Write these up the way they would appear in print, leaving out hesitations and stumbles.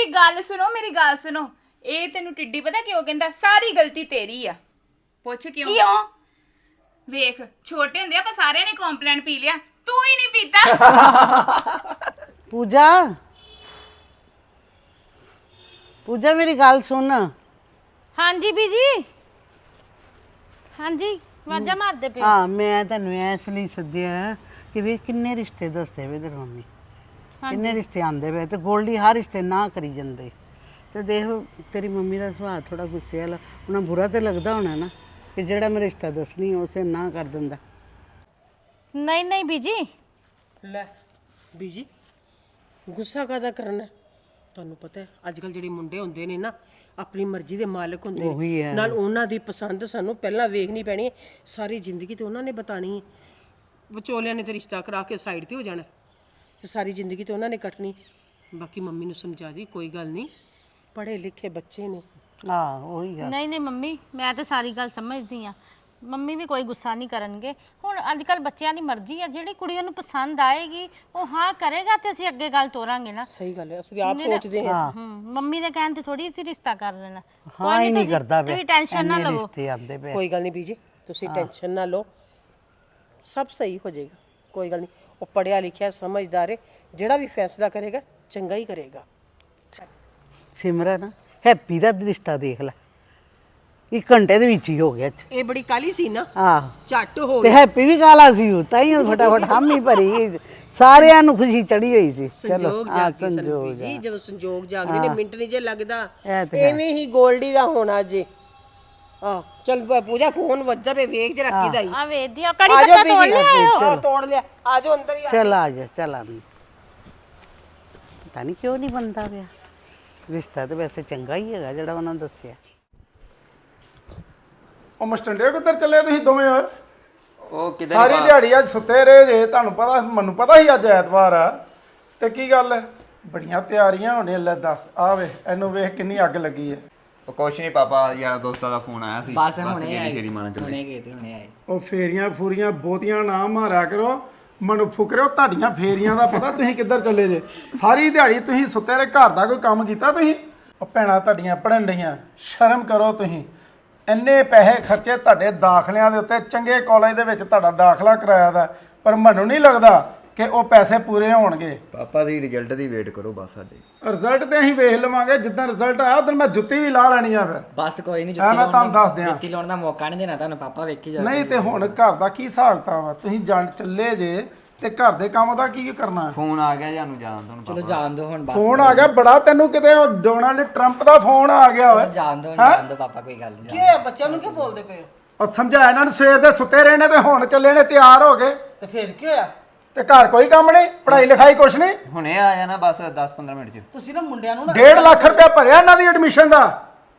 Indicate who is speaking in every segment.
Speaker 1: ਮੇਰੀ ਗੱਲ ਸੁਣੋ ਇਹ ਤੈਨੂੰ ਟਿੱਡੀ ਪਤਾ ਕਿਉਂ ਕਹਿੰਦਾ ਸਾਰੀ ਗਲਤੀ ਤੇਰੀ ਆ ਪੁੱਛ ਕਿਉਂ ਵੇਖ ਛੋਟੇ ਹੁੰਦੇ ਆਪਾਂ ਸਾਰਿਆਂ ਨੇ ਕੰਪਲੇਂਟ ਪੀ ਲਿਆ ਤੂੰ ਹੀ ਨਹੀਂ ਪੀਤਾ
Speaker 2: ਪੂਜਾ ਮੇਰੀ ਗੱਲ ਸੁਣ।
Speaker 3: ਹਾਂਜੀ ਬੀਜੀ ਹਾਂਜੀ ਵਾਜਾ ਮਾਰਦੇ ਪਿਓ।
Speaker 2: ਹਾਂ ਮੈਂ ਤੈਨੂੰ ਇਸ ਲਈ ਸੱਦਿਆ ਕਿ ਵੇ ਕਿੰਨੇ ਰਿਸ਼ਤੇ ਦੱਸਦੇ ਵੇ ਤੇਰੀ ਮੰਮੀ ਕਿੰਨੇ ਰਿਸ਼ਤੇ ਆਂਦੇ ਵੇ ਤੇ ਗੋਲਡੀ ਹਰ ਰਿਸ਼ਤੇ ਨਾ ਕਰੀ ਜਾਂਦੇ ਤੇ ਦੇਖ ਤੇਰੀ ਮੰਮੀ ਦਾ ਸੁਭਾਅ ਥੋੜਾ ਗੁੱਸੇ ਵਾਲਾ ਉਹਨਾਂ ਬੁਰਾ ਤੇ ਲੱਗਦਾ ਹੋਣਾ ਨਾ ਕਿ ਜਿਹੜਾ ਮੈਂ ਰਿਸ਼ਤਾ ਦੱਸਣੀ ਉਸੇ ਨਾ ਕਰ ਦਿੰਦਾ।
Speaker 3: ਨਹੀਂ ਬੀਜੀ
Speaker 4: ਲੈ ਬੀਜੀ ਗੁੱਸਾ ਕਾਹਦਾ ਕਰਨਾ ਤੁਹਾਨੂੰ ਪਤਾ ਹੈ ਅੱਜ ਕੱਲ ਜਿਹੜੇ ਮੁੰਡੇ ਹੁੰਦੇ ਨੇ ਨਾ ਆਪਣੀ ਮਰਜ਼ੀ ਦੇ ਮਾਲਕ ਹੁੰਦੇ ਨੇ ਨਾਲ ਉਹਨਾਂ ਦੀ ਪਸੰਦ ਸਾਨੂੰ ਪਹਿਲਾਂ ਵੇਖਣੀ ਪੈਣੀ ਹੈ ਸਾਰੀ ਜ਼ਿੰਦਗੀ ਤੇ ਉਹਨਾਂ ਨੇ ਬਤਾਣੀ ਹੈ ਵਿਚੋਲਿਆਂ ਨੇ ਤੇ ਰਿਸ਼ਤਾ ਕਰਾ ਕੇ ਸਾਈਡ ਤੇ ਹੋ ਜਾਣਾ ਤੇ ਸਾਰੀ ਜ਼ਿੰਦਗੀ ਤੇ ਉਹਨਾਂ ਨੇ ਕੱਟਣੀ ਬਾਕੀ ਮੰਮੀ ਨੂੰ ਸਮਝਾ ਦੀ ਕੋਈ ਗੱਲ ਨਹੀਂ ਪੜ੍ਹੇ ਲਿਖੇ ਬੱਚੇ ਨੇ
Speaker 2: ਉਹੀ ਆ।
Speaker 3: ਨਹੀਂ ਮੰਮੀ ਮੈਂ ਤਾਂ ਸਾਰੀ ਗੱਲ ਸਮਝਦੀ ਆ ਮੰਮੀ ਵੀ ਕੋਈ ਗੁੱਸਾ ਨਹੀਂ ਕਰਨਗੇ ਹੁਣ ਅੱਜ ਕੱਲ ਬੱਚਿਆਂ ਦੀ ਮਰਜ਼ੀ ਆ ਜਿਹੜੀ ਕੁੜੀ ਉਹਨੂੰ ਪਸੰਦ ਆਏਗੀ ਉਹ ਹਾਂ ਕਰੇਗਾ ਤੇ ਅਸੀਂ ਅੱਗੇ ਗੱਲ ਤੋਰਾਂਗੇ ਨਾ।
Speaker 4: ਸਹੀ ਗੱਲ ਹੈ ਅਸੀਂ ਆਪ ਸੋਚਦੇ ਹਾਂ
Speaker 3: ਮੰਮੀ ਦੇ ਕਹਿਣ ਤੇ ਥੋੜੀ ਅਸੀਂ ਰਿਸ਼ਤਾ ਕਰ ਲੈਣਾ।
Speaker 2: ਹਾਂ ਹੀ ਨਹੀਂ ਕਰਦਾ
Speaker 3: ਤੁਸੀਂ ਟੈਨਸ਼ਨ ਨਾ ਲਵੋ
Speaker 2: ਰਿਸ਼ਤੇ ਆਂਦੇ ਪਏ
Speaker 4: ਕੋਈ ਗੱਲ ਨਹੀਂ ਬੀਜੀ ਤੁਸੀਂ ਟੈਨਸ਼ਨ ਨਾ ਲਓ ਸਭ ਸਹੀ ਹੋ ਜਾਏਗਾ ਕੋਈ ਗੱਲ ਨਹੀਂ ਉਹ ਪੜਿਆ ਲਿਖਿਆ ਸਮਝਦਾਰ ਹੈ ਜਿਹੜਾ ਵੀ ਫੈਸਲਾ ਕਰੇਗਾ ਚੰਗਾ ਹੀ ਕਰੇਗਾ।
Speaker 2: ਸਿਮਰਨ ਹੈਪੀ ਦਾ ਰਿਸ਼ਤਾ ਦੇਖ ਲੈ 1 ਘੰਟੇ ਦੇ ਵਿੱਚ ਹੀ ਹੋ ਗਿਆ
Speaker 4: ਇਹ ਬੜੀ ਕਾਲੀ ਸੀ ਨਾ ਝੱਟ ਹੋ
Speaker 2: ਤੇ ਹੈਪੀ ਵੀ ਕਾਲਾ ਸੀ ਉਹ ਤਾਂ ਹੀ ਫਟਾਫਟ ਹਾਮੀ ਭਰੀ ਸਾਰਿਆਂ ਨੂੰ ਖੁਸ਼ੀ ਚੜੀ ਹੋਈ ਸੀ।
Speaker 4: ਸੰਜੋਗ ਜਾਗਦੇ ਸਨ ਬੀਜੀ ਜਦੋਂ ਸੰਜੋਗ ਜਾਗਦੇ ਨੇ ਮਿੰਟ ਨਹੀਂ ਜੇ ਲੱਗਦਾ ਐਵੇਂ ਹੀ ਗੋਲਡੀ ਦਾ ਹੋਣਾ ਜੇ ਚਲ ਪੂਜਾ ਫੋਨ ਵੱਜਦਾ ਪਏ ਵੇਖ ਜਰਾ ਕਿਦਾ ਹੀ
Speaker 3: ਆ ਵੇਖਦੀ ਆ ਕੜੀ ਪੱਤਾ ਤੋੜ ਲਿਆ
Speaker 4: ਤੋੜ ਲਿਆ ਆਜੋ ਅੰਦਰ ਹੀ
Speaker 2: ਚਲ ਆ ਜਾ ਚਲ ਆ ਪਤਾ ਨਹੀਂ ਕਿਉਂ ਨਹੀਂ ਬਣਦਾ ਪਿਆ ਰਿਸ਼ਤਾ ਤੇ ਵੈਸੇ ਚੰਗਾ ਹੀ ਹੈਗਾ ਜਿਹੜਾ ਉਹਨਾਂ ਨੇ ਦੱਸਿਆ।
Speaker 5: ਉਹ ਮਸਟੰਡੇ ਕਿੱਧਰ ਚੱਲੇ ਤੁਸੀਂ ਦੋਵੇਂ
Speaker 6: ਉਹ ਕਿਧਰ
Speaker 5: ਸਾਰੀ ਦਿਹਾੜੀ ਅੱਜ ਸੁੱਤੇ ਰਹੇ ਜੇ ਤੁਹਾਨੂੰ ਪਤਾ ਮੈਨੂੰ ਪਤਾ ਸੀ ਅੱਜ ਐਤਵਾਰ ਆ ਤੇ ਕੀ ਗੱਲ ਹੈ ਬੜੀਆਂ ਤਿਆਰੀਆਂ ਹੋਣੇ ਲੈ ਦੱਸ ਆ ਵੇ ਇਹਨੂੰ ਵੇਖ ਕਿੰਨੀ ਅੱਗ ਲੱਗੀ ਹੈ।
Speaker 6: ਉਹ ਕੁਛ ਨਹੀਂ ਪਾਪਾ ਯਾਰ ਦੋਸਤਾਂ ਦਾ ਫੋਨ ਆਇਆ ਸੀ
Speaker 7: ਬਸ ਹੁਣੇ ਆਏ
Speaker 6: ਫੇਰੀ ਮਾਰਨ ਚੱਲੇ
Speaker 7: ਹੁਣੇ ਆਏ
Speaker 5: ਉਹ ਫੇਰੀਆਂ ਫੂਰੀਆਂ ਬਹੁਤੀਆਂ ਨਾ ਮਾਰਿਆ ਕਰੋ ਮੈਨੂੰ ਫੁਕਰਿਓ ਤੁਹਾਡੀਆਂ ਫੇਰੀਆਂ ਦਾ ਪਤਾ ਤੁਸੀਂ ਕਿੱਧਰ ਚੱਲੇ ਜੇ ਸਾਰੀ ਦਿਹਾੜੀ ਤੁਸੀਂ ਸੁੱਤੇ ਰਹੇ ਘਰ ਦਾ ਕੋਈ ਕੰਮ ਕੀਤਾ ਤੁਸੀਂ ਉਹ ਭੈਣਾਂ ਤੁਹਾਡੀਆਂ ਪੜਨ ਡਈਆਂ ਸ਼ਰਮ ਕਰੋ ਤੁਸੀਂ ਇੰਨੇ ਪੈਸੇ ਖਰਚੇ ਤੁਹਾਡੇ ਦਾਖਲਿਆਂ ਦੇ ਉੱਤੇ ਚੰਗੇ ਕਾਲਜ ਦੇ ਵਿੱਚ ਤੁਹਾਡਾ ਦਾਖਲਾ ਕਰਾਇਆ ਦਾ ਪਰ ਮੈਨੂੰ ਨਹੀਂ ਲੱਗਦਾ ਕਿ ਉਹ ਪੈਸੇ ਪੂਰੇ ਹੋਣਗੇ।
Speaker 6: ਪਾਪਾ ਦੀ ਰਿਜ਼ਲਟ ਦੀ ਵੇਟ ਕਰੋ ਬਸ ਸਾਡੇ
Speaker 5: ਰਿਜ਼ਲਟ ਤੇ ਅਸੀਂ ਵੇਖ ਲਵਾਂਗੇ ਜਿੱਦਾਂ ਰਿਜ਼ਲਟ ਆਇਆ ਉਦੋਂ ਮੈਂ ਜੁੱਤੀ ਵੀ ਲਾ ਲੈਣੀ ਆ ਫਿਰ
Speaker 7: ਬਸ ਕੋਈ ਨਹੀਂ
Speaker 5: ਮੈਂ ਤੁਹਾਨੂੰ ਦੱਸ ਦਿਆਂ
Speaker 7: ਜੁੱਤੀ ਲਾਉਣ ਦਾ ਮੌਕਾ ਨਹੀਂ ਦੇਣਾ ਤੁਹਾਨੂੰ ਪਾਪਾ ਵੇਖੀ ਜਾ
Speaker 5: ਨਹੀਂ ਤੇ ਹੁਣ ਘਰ ਦਾ ਕੀ ਹਿਸਾਬ ਕਿਤਾਬ ਆ ਤੁਸੀਂ ਜਾਣ ਚੱਲੇ ਜੇ ਤੇ ਘਰ ਦੇ ਕੰਮ ਦਾ ਕੀ ਕਰਨਾ
Speaker 6: ਫੋਨ ਆ ਗਿਆ ਜਾਨੂੰ ਜਾਣ ਤੁਹਾਨੂੰ
Speaker 7: ਚਲੋ ਜਾਣ ਦੋ ਹੁਣ ਬਸ
Speaker 5: ਫੋਨ ਆ ਗਿਆ ਬੜਾ ਤੈਨੂੰ ਕਿਤੇ ਉਹ ਡੋਨਾਲਡ ਟਰੰਪ ਦਾ ਫੋਨ ਆ ਗਿਆ ਓਏ
Speaker 7: ਜਾਣ ਦੋ ਪਾਪਾ ਕੋਈ ਗੱਲ ਨਹੀਂ
Speaker 4: ਕੀ ਹੋਇਆ ਬੱਚਿਆਂ ਨੂੰ ਕਿਉਂ ਬੋਲਦੇ ਪਏ ਹੋ
Speaker 5: ਉਹ ਸਮਝਾਇਆ ਇਹਨਾਂ ਨੂੰ ਸਵੇਰ ਦੇ ਸੁੱਤੇ ਰਹੇ ਨੇ ਤੇ ਹੁਣ ਚੱਲੇ ਨੇ ਤਿਆਰ ਹੋ ਗਏ
Speaker 4: ਤੇ ਫਿਰ ਕੀ ਹੋਇਆ
Speaker 5: ਤੇ ਘਰ ਕੋਈ ਕੰਮ ਨਹੀਂ ਪੜ੍ਹਾਈ ਲਿਖਾਈ ਕੁਛ ਨਹੀਂ
Speaker 6: ਹੁਣੇ ਆ ਜਾਣਾ ਬਸ 10-15 ਮਿੰਟ ਚ
Speaker 4: ਤੁਸੀਂ ਨਾ ਮੁੰਡਿਆਂ ਨੂੰ
Speaker 5: 1.5 ਲੱਖ ਰੁਪਇਆ ਭਰਿਆ ਇਹਨਾਂ ਦੀ ਐਡਮਿਸ਼ਨ ਦਾ